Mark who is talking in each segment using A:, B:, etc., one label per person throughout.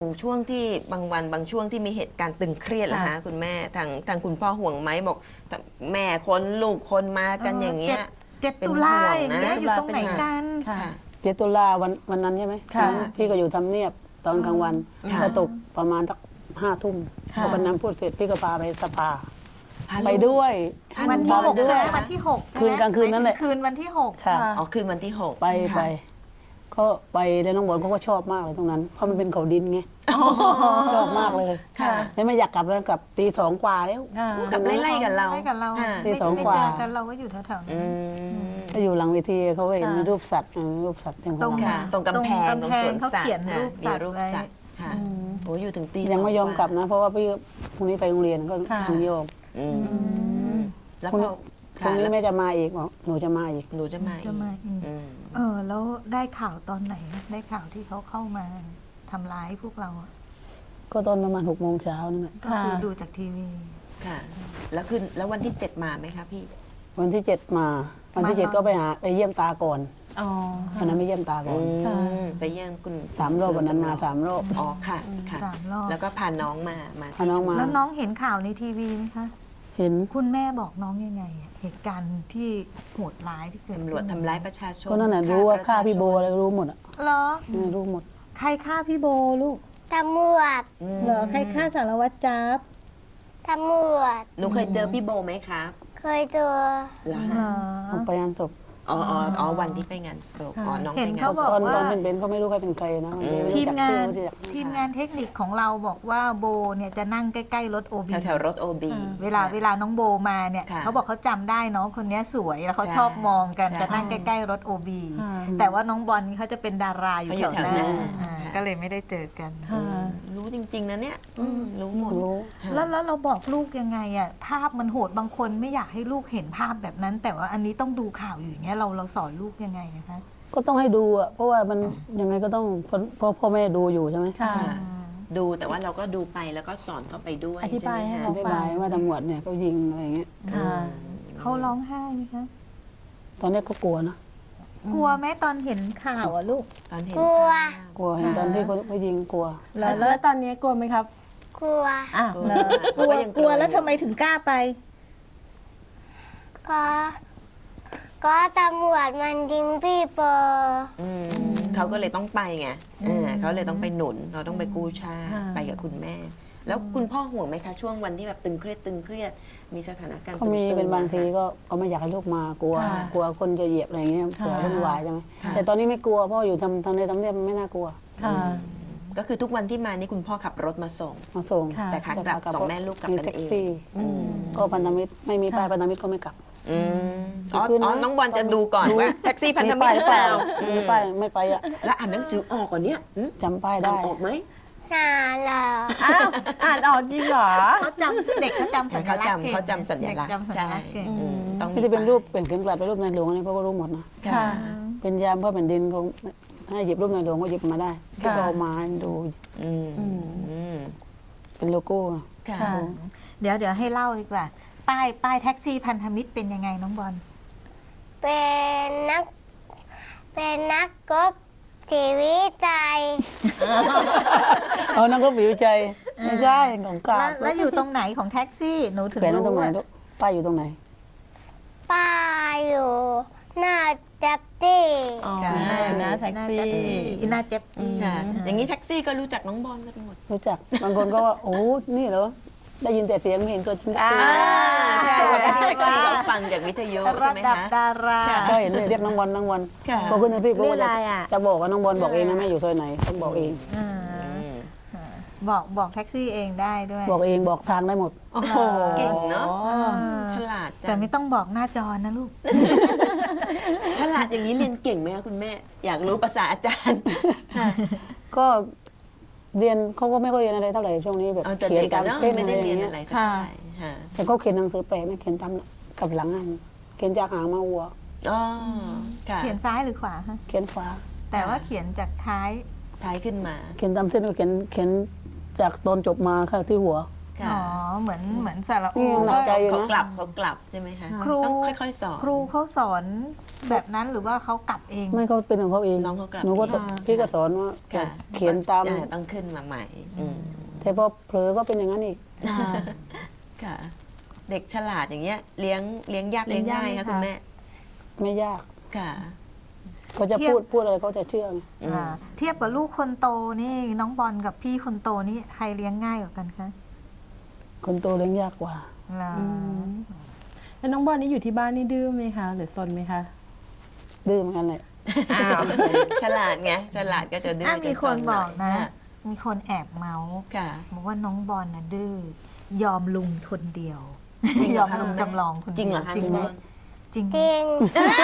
A: ช่วงที่บางวันบางช่วงที่มีเหตุการณ์ตึงเครียดนะคะคุณแม่ทางคุณพ่อห่วงไหมบอกแม่คนลูกคนมากันอย่างเงี้ย
B: 7 ตุลาอย่างเงี้ยอยู่ตรงไหนกัน
C: 7 ตุลาวันนั้นใช่ไหมพี่ก็อยู่ทำเนียบตอนกลางวันพอตกประมาณสัก5 ทุ่มพอวันนั้นพูดเสร็จพี่ก็พาไปสภาไปด้วย
B: วันที่ 6
C: ด้
B: ใช่
C: วย
B: ไหมวันที่6
C: คืนกลางคืนนั่นแหละ
B: คืนวันที่6
C: ค่ะ
A: อ๋อคืนวันที่6
C: ไปก็ไปแล้วน้องบอลเขาก็ชอบมากเลยตรงนั้นเพราะมันเป็นเขาดินไงชอบมากเลยแล้วไม่อยากกลับแล้วกลับตี 2 กว่าแล้ว
A: กลับไล่ๆกับเรา
B: ไล่กับเรา
C: ตี
B: ไม่
C: 2 กว่า
B: เจอกันเราก็อยู่แถวๆนั้น
C: ก็อยู่หลังเวทีเขาก็เห็นรูปสัตว์อย่าง
B: ตรง
C: ของเรา
A: ตรงกำแพงตรงสวน
B: เขา
A: สัต
B: เขียน
A: ว์
B: รูปสัตว์
A: มีรูปสัตว์ค่ะโอ้อยู่ถึงตี
C: ยังไม่ยอมกลับนะ เพราะว่าพี่พรุ่งนี้ไปโรงเรียนก็ถึงโยม
A: แล้ว
C: พรุ่ง
A: พอ
C: นี้แม่จะมาอีกบอกหนูจะมาอีก
A: หนูจะมาอีก
B: แล้วได้ข่าวตอนไหนได้ข่าวที่เขาเข้ามาทำร้ายพวกเราอะ
C: ก็ตอนประมาณ6 โมงเช้านั่นแหละ
B: ก็คือดูจากทีวี
A: ค่ะแล้ววันที่7มาไหมคะพี่
C: วันที่ 7 มาวันที่ 7 ก็ไปเยี่ยมตาก่อนวันนั้นไม่เยี่ยมตาก่อน
A: ไปเยี่ยมคุณ
C: 3 รอบวันนั้นมา3 รอบ
A: อ๋อค่ะค่ะ
B: 3 รอบ
A: แล้วก็พาน้องมา
C: พาน้องมา
B: แล้วน้องเห็นข่าวในทีวีไหมคะ
C: เห็น
B: คุณแม่บอกน้องยังไงอะเหตุการณ์ที่โหดร้ายที่เกิด
A: ตำรวจทำร้ายประชาชน
C: ก็นั่นแหละรู้ว่าฆ่าพี่โบอะไรรู้หมดอ่ะ
B: เหรอ
C: รู้หมด
B: ใครฆ่าพี่โบลูก
D: ตำรวจ
B: เหรอใครฆ่าสารวัตรจ๊าบ
D: ตำรวจ
A: หนูเคยเจอพี่โบไหมครับ
D: เคยเจอ
A: เหรอ
B: เหรอ
C: ออกไปงานศพ
A: อ๋อวันที่ไปงานศพอ๋อน้อง
B: เห็
A: ไป
B: น
A: งาน
B: เขา
A: ศ
B: บ
A: พ
B: อก
C: ตอนเป็นเขาไม่รู้ใครเป็นใครนะไม่รู้
B: ทีม
C: จัก
B: งา
C: ชื่อน ไม่รู้จัก
B: ทีมงานเทคนิคของเราบอกว่าโบเนี่ยจะนั่งใกล้ๆรถโอบี
A: แถวรถโอบี
B: เวลาน้องโบมาเนี่ย
A: ค่ะ
B: เขาบอกเขาจำได้น้องคนนี้สวยแล้วเขา
A: ใช่
B: ชอบมองกัน
A: ใช่
B: จะนั่งใกล้ๆรถโอบีแต่ว่าน้องบอลเขาจะเป็นดาราอยู่
A: เขาอยู่
B: แถว
A: แถว
B: ห
A: ห
B: น้า
A: น้า
B: อ่า
A: ค่ะ
B: ก็เลยไม่ได้เจอกัน
A: รู้จริง ๆนะเนี่ยรู้หมด
C: รู้
B: แล้วเราบอกลูกยังไงอ่ะภาพมันโหดบางคนไม่อยากให้ลูกเห็นภาพแบบนั้น แต่ว่าอันนี้ต้องดูข่าวอยู่อย่างเงี้ยเราสอนลูกยังไงนะคะ
C: ก็ต้องให้ดูอ่ะเพราะว่ามันยังไงก็ต้องเพราะพ่อแม่ดูอยู่ใช่ไหม
A: ดูแต่ว่าเราก็ดูไปแล้วก็สอนเขาไปด้วย
E: อธิบายให้
A: ใช่
E: เขา
A: ไหม
C: อธิบายว่าตำรวจเนี่ยเขายิงอะไรอย่างเงี้ย
B: เขาร้องไห้ไหมคะ
C: ตอนนี้ก็กลัวนะ
B: กลัวไหมตอนเห็นข่าวอ่ะลูก
A: ตอนเห็น
D: กลัว
C: กลัวเห็นตอนที่เขายิงกลัว
E: แล้วตอนนี้กลัวไหมครับ
D: กลัว
E: อ่ะ
B: กลัวแล้วทำไมถึงกล้าไป
D: ก็ก็ตำรวจมันยิงพี่เปอร์
A: เขาก็เลยต้องไปไงเขาเลยต้องไปหนุนเราต้องไปกู้ชาติไปกับคุณแม่ แล้วคุณพ่อห่วงไหมคะช่วงวันที่แบบตึงเครียดมีสถานการณ์
C: เขามี
A: ตึงๆ
C: เป็นบางที
A: ม
C: ก็ไม่อยากให้ลูกมากลัว
A: ค่ะ
C: กลัวคนจะเหยียบอะไรอย่างเงี้ยเผื่อวุ่นวายใช่ไหม
A: ค่ะ
C: แต่ตอนนี้ไม่กลัวเพราะอยู่ทางในทำเนียบไม่น่ากลัว
A: ก็คือทุกวันที่มานี่คุณพ่อขับรถมาส่ง
C: มาส่ง
E: ค่ะ
A: แต่ขากลับสองแม่ลูกกลับ
C: มี
A: กัน
C: แท็ก
A: เอง
C: ซี่ก็พันธมิตรไม่มีป้ายพันธมิตรก็ไม่กลับ
A: อ๋อน้องบอลจะดูก่อนว่าแท็กซี่พันธมิตรหรือเปล่า
C: มีป้ายไม่ไปอ่ะ
A: แล้วอ่านหนังสือออกก่อนเนี้ย
C: จำป้าย
A: อ่า
C: ได้
A: นออกไหม
D: นานแล้ว
E: อ้าวอ่านออกจริงเหรอ
B: เขาจำเด็กเขาจำสัญลักษณ์เก่ง
A: เขาจำสัญลักษณ์
B: เด็จำสัญลักษณ์เก่ง
A: ต้อง
C: ที่จะเป็นรูปเป็นเข็มกลัดเป็นรูปในหลวงนี่เขาก็รู้หมดนะ
E: ค่ะ
C: เป็นยามเพื่อแผ่นดินเขาให้หยิบรูปในหลวงก็หยิบมาได้ที่เขาเอามาให้ดู เป็นโลโก้
A: ค่ะ
E: ค่ะ
B: เดี๋ยวให้เล่าดีกว่า ป้ายแท็กซี่พันธมิตรเป็นยังไงน้องบอล
D: เป็นนักกบชีวิตใจ
C: เอานั่งก็ผิวใจไม่ใช่ของกลาง
B: แล้วอยู่ตรงไหนของแท็กซี่หนูถึง
C: แขวนไว้
B: รู้
C: ตรงไหน
B: ว่า
C: ลูกป้ายอยู่ตรงไหน
D: ป้าอยู่หน้าจับตี้
E: อ๋อ
A: ค่ะ
E: นะแท็กซี่
B: หน้าเจ็บจี้
A: ค่ะอย่างนี้แท็กซี่ก็รู้จักน้องบอลกันหมด
C: รู้จักบางคนก็ว่าโอ้นี่เหรอได้ยินแต่เสียงไม่เห็นตัวจริง
A: ใช่แท็กซี่เขาฟังจากวิทยุใช่
B: ระ
A: ไหม
B: ดับ
A: คะ
B: ดารา
C: ก็เห็นเลยเรียกน้องบอลน้องบอล
A: ค่ะ
C: พอขึ้นแท็กซี่ก็
E: เรียกอะไรอ่ะ
C: จะบอกว่าน้องบอลบอกเองนะแม่อยู่ซอยไหนต้องบอกเอง
B: บอกแท็กซี่เองได้ด้วย
C: บอกเองบอกทางได้หมด
A: โอ้โหเก่งเนาะฉลาดจั
B: แต่
A: ง
B: ไม่ต้องบอกหน้าจอนะลูก
A: ฉลาดอย่างนี้เรียนเก่งไหมคะคุณแม่ อยากรู้ภาษาอาจารย์
C: ก็เรียนเขาก็ไม่ค่อยเรียนอะไรเท่าไหร่ช่วงนี้แบบ
A: เอาแต่
C: เขียน
A: เด็ก
C: ตา
A: อะ
C: ม
A: เนาะ
C: เส้น
A: ไม่
C: อะไร
A: ได้
C: อ
A: เรียน
C: ย่างเงี้
A: อะไร
C: ย
A: สักเท่าไหร่ค่ะ
C: แต่เขาเขียนหนังสือแปลไม่เขียนตามกับหลังอันเขียนจากหางมาวัว
A: อ๋อค่ะ
B: เขียนซ้ายหรือขวาคะ
C: เขียนฟ้า
B: แต่ว่าเขียนจากท้าย
A: ท้ายขึ้นมา
C: เขียนตามเส้นก็เขียนจากตอนจบมาค่ะที่หัว
A: ค่ะ
B: อ๋อเหมือนสระ
C: นี่
B: อู
C: ยังหนักใจอยู่
A: เขา
C: นะ
A: กลับใช่ไหมคะ
B: ครู
A: ต้องค่อยๆสอน
B: ครูเขาสอนแบบนั้นหรือว่าเขากลับเอง
C: ไม่เขาเป็นของเขาเอง
A: น้องเขากลับ
C: หนูก็
A: เอง
C: พี่ก็สอนว่า
A: ค่ะ
C: เขียนตาม
A: ต้องขึ้นมาใหม่ม
C: แต่พอเผลอก็เป็นอย่างนั้นอีก
A: ค่ะ เด็กฉลาดอย่างเงี้ยเลี้ยงยากเลี้ยงง่าย
E: เลี้ยงยาก
A: คะ
E: ไหมคะ
A: คุณแม่
C: ไม่ยาก
A: ค่ะ
C: เขาจะพูดอะไรเขาจะเชื่อไง
B: อ่าเทียบกับลูกคนโตนี่น้องบอลกับพี่คนโตนี่ใครเลี้ยงง่ายกว่ากันคะ
C: คนโตเลี้ยงยากกว่า
B: ล่ะ
E: อืมแล้วน้องบอลนี่อยู่ที่บ้านนี่ดื้อไหมคะ หรือซนไหมคะ
C: ดื้อเหมือนกันแหละ
E: อ้าว
A: ฉลาดไงฉลาดก็จะดื้อ
B: อ่ะ
A: จะ
B: มีคน
A: ซ
B: บอก
A: ห
B: นะ
A: ย
B: มีคนแอบเมาส์
A: ค่ะ
B: บอกว่าน้องบอลน่ะดื้อยอมลุงคนเดียว
A: จริงเห
B: ย
A: ร
B: อ
A: อ
B: ม
A: คะ
B: ลุงจำลองคนเดียว
A: จริงเหรอคะ
B: จริง
A: คุณ
B: ไหม
A: บอล
B: จริงไหม
D: จริง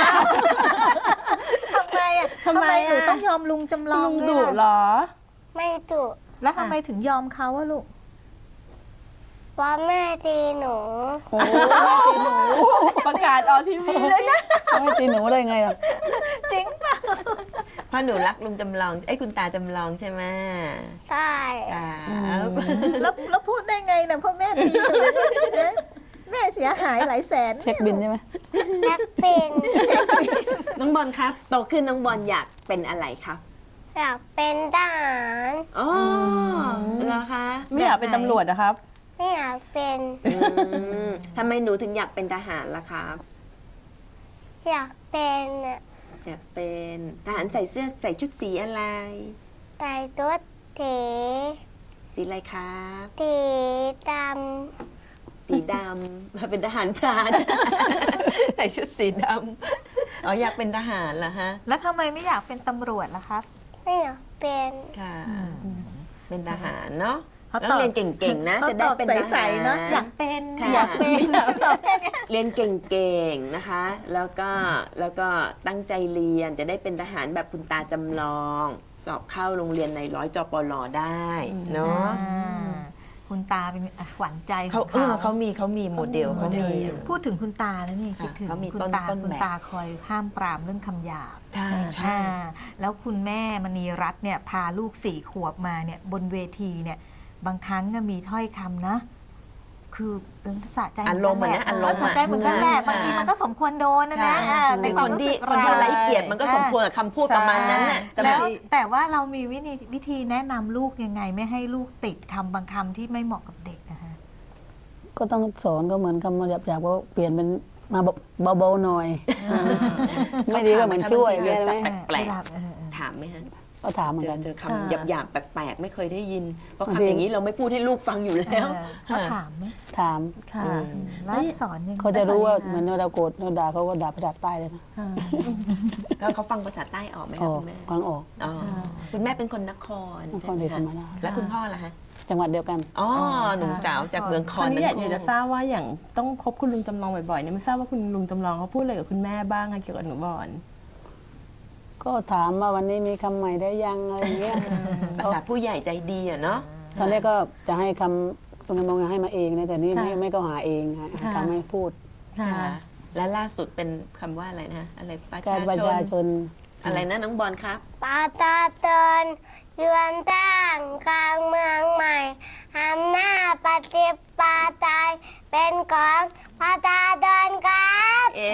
B: ทำไมอ่ะ
E: ทำไม
B: หนู
E: อ่ะ
B: ต้องยอมลุงจำลอง
E: ลุง
B: ด้
E: ดุ
B: วย
E: เหร
B: ล่ะ
E: อ
D: ไม่ดุ
B: แล้วทำไมถึงยอมเขาอะลูก
D: เพราะแม่ตีหนู
C: โอ้ไม่ตีหนู
E: ประกาศออกทีวีเลยนะ
C: ไม่ตีหนูได้ไงอ่ะ
B: จริงป่ะ
A: เพราะหนูรักลุงจำลองคุณตาจำลองใช่ไหม
D: ใช่
A: ครับ
B: แล้วพูดได้ไงนะพ่อแม่ตีหนูนะแม่เสียหายหลายแสน
C: เช็คบินใช่ไหม
D: แอปเป็น
A: น้องบอลครับโตขึ้นน้องบอลอยากเป็นอะไรครับ
D: อยากเป็นทหาร
A: อ๋อเหรอคะ
E: ไม่อยากเป็นตำรวจนะครับ
D: ไม่อยากเป็น
A: อืมทำไมหนูถึงอยากเป็นทหารล่ะครับ
D: อยากเป็นอะ
A: อยากเป็นทหารใส่ชุดสีอะไร
D: ไต่ตุ๊ดเถ
A: สีอะไรครับ
D: ตีด
A: สีดำมาเป็นทหารพราน ใส่ชุดสีดำอ๋ออยากเป็นทหารเหรอฮะ
B: แล้วทำไมไม่อยากเป็นตำรวจล่ะครับ
D: ำไม่อยากเป็น
A: ค่ะ เป็นทหารเนาะ
B: เขา
A: ต้
B: ต
A: อ
B: อง บ
A: เรียนเก่งๆนะ จะได้เป็นทหาร
B: ใสๆเนาะอยากเป็น
A: ค่ะ
B: อยากเป็น
A: เรียนเก่งๆนะคะ แล้วก็ตั้งใจเรียนจะได้เป็นทหารแบบคุณตาจำลอง สอบเข้าโรงเรียนในร้อยจปลได้เนาะ
B: อ่าคุณตาเป็นขวัญใจข
A: เขา
B: อง
A: เขามีโมเดลเขามี
B: พูดถึงคุณตาแล้วนี่
A: ค่ะ
B: คิดถึง
A: เขามี
B: คุณ
A: ต้น
B: ตา
A: ต้น
B: คุณ
A: แบบ
B: ตาคอยห้ามปรามเรื่องคำหยาบ
A: ใช่ใช่
B: อ่าแล้วคุณแม่มณีรัตน์เนี่ยพาลูก4 ขวบมาเนี่ยบนเวทีเนี่ยบางครั้งก็มีถ้อยคำนะ คือสะใจ
A: อารมณ์เหมือนนะอารมณ์
B: สะใจเหมือนกันแหละ
A: ค่ะ
B: บางทีมันก็สมควรโดนนะนะ
A: ค่ะ
B: ในความ
A: คน
B: รู้
A: ที่
B: สึก
A: คนที่
B: เรา
A: ไร้เกียรติมันก็สมควรกับคำพูดประมาณนั้นน่ะ
E: แต่
B: แล้ว
E: บางที
B: แต่ว่าเรามีวิธีแนะนำลูกยังไงไม่ให้ลูกติดคำบางคำที่ไม่เหมาะกับเด็กนะคะ
C: ก็ต้องสอนก็เหมือนคำมาหยาบๆก็เปลี่ยนเป็นมาเบาๆหน่อย ไม่ดีก็เหมือนช่วย
A: เขาถาม
C: ใช่ไหม
A: แปลกๆ
B: เวลาเออ
A: ถามไหมฮะ
C: ก็ถามเหมือนกัน
A: เจอ
E: ค่ะ
A: คำหยาบๆแปลกๆไม่เคยได้ยิน เพราะ
C: บาง
A: คำ
C: ที
A: อย่างนี้เราไม่พูดให้ลูกฟังอยู่แล้ว
B: เขาถามไหม
C: ถาม
E: ค่ะ
A: อืม
B: แล้วสอนยังไง
C: เขาจะรู้ว่าเหมือนเราโกรธเราด่าเขาก็ด่าภาษาใต้เลยนะ
E: ค่ะ
A: แล้วเขาฟังภาษาใต้ออกไหม
C: อ
A: คะ
C: อก
A: คุณแม่
C: ฟังออก
A: อ๋อคุณแม่เป็นคนนคร
C: นคร
A: ใช่ไหม
C: ศรีธร
A: คะ
C: รมราช
A: แล้วคุณพ่อล่ะฮะ
C: จังหวัดเดียวกัน
A: อ๋อหนุ่มสาวจากเมืองค
E: ค
A: อ
E: ราน วนี้อยาก
A: ทั้งคู่
E: จะทราบว่าอย่างต้องพบคุณลุงจำลองบ่อยๆเนี่ยไม่ทราบว่าคุณลุงจำลองเขาพูดอะไรกับคุณแม่บ้างคะเกี่ยวกับหนูบอล
C: ก็ถามว่าวันนี้มีคำใหม่ได้ยังอะไรอย่างเงี้ย
A: ภาษาผู้ใหญ่ใจดีอะเนาะ
C: ตอนแรกก็จะให้คำตรงนั้นมองให้มาเองนะแต่นี่
E: ค่ะ
C: ไม่ก็หาเองหา
E: ค่ะ
C: คำให้พูด
E: ค่ะ
A: ค่ะ และล่าสุดเป็นคำว่าอะไรนะอะไรประ
C: กา
A: ชาร
C: ประชาช
A: ชน
C: น
A: อะไรนะน้องบอลครับ
D: ปาตาเตินเยือนตั้งกลางเมืองใหม่อำนาจปฏิปไตยเป็นของปาตาเดินครับ
A: เอ๊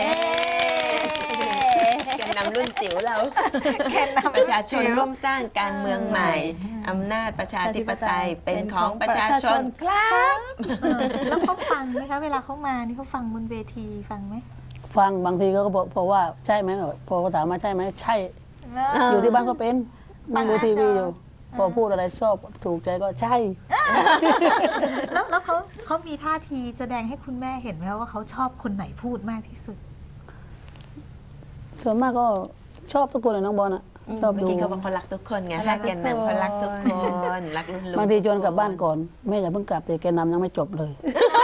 A: แกนนำรุ่นจิ๋วเราประชาชนร่วมสร้างการเมืองใหม่ อำนาจประชาธิปไตยเป็นของประชาชนครับ
B: แล้วเขาฟังไหมคะเวลาเขามานี่เขาฟังบนเวทีฟังไหม
C: ฟังบางทีก็บอกว่าใช่ไหมพอเขาถามมาใช่ไหมใช่ อยู่ที่บ้านก็เป็นนั่งดูทีวีอยู่ พอพูดอะไรชอบถูกใจก็ใช่
B: แล้วเขามีท่าทีแสดงให้คุณแม่เห็นไหมว่าเขาชอบคนไหนพูดมากที่สุด
C: ส่วนมากก็ชอบทุกคนเลยน้องบอลอ่ะ ชอบ
A: เมื่อ
C: ดู
A: กี้เขาบอกเขารักทุกคนไงถ้าแกนนำเขารักทุกคนรักรุ่นลุง
C: บางทีชวนกลับบ้านก่อนแม่อย่าเพิ่งกลับแต่แกนำยังไม่จบเลย